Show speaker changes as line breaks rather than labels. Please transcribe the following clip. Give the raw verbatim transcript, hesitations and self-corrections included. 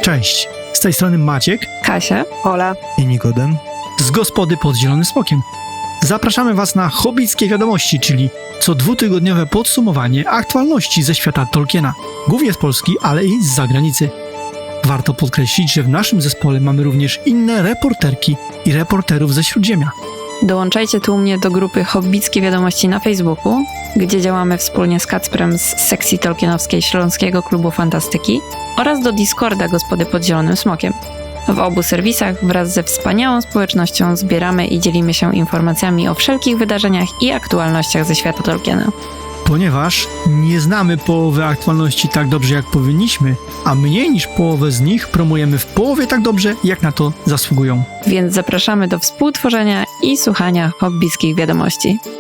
Cześć, z tej strony Maciek
Kasia, Ola
i Nikodem.
z Gospody pod Zielonym Smokiem. Zapraszamy Was na Hobbickie Wiadomości, czyli co dwutygodniowe podsumowanie aktualności ze świata Tolkiena, głównie z Polski, ale i z zagranicy. Warto podkreślić, że w naszym zespole mamy również inne reporterki i reporterów ze Śródziemia.
Dołączajcie tu u mnie do grupy Hobbickie Wiadomości na Facebooku, gdzie działamy wspólnie z Kacprem z sekcji tolkienowskiej Śląskiego Klubu Fantastyki oraz do Discorda Gospody pod Zielonym Smokiem. W obu serwisach wraz ze wspaniałą społecznością zbieramy i dzielimy się informacjami o wszelkich wydarzeniach i aktualnościach ze świata Tolkiena.
Ponieważ nie znamy połowy aktualności tak dobrze, jak powinniśmy, a mniej niż połowę z nich promujemy w połowie tak dobrze, jak na to zasługują.
Więc zapraszamy do współtworzenia i słuchania hobbickich wiadomości.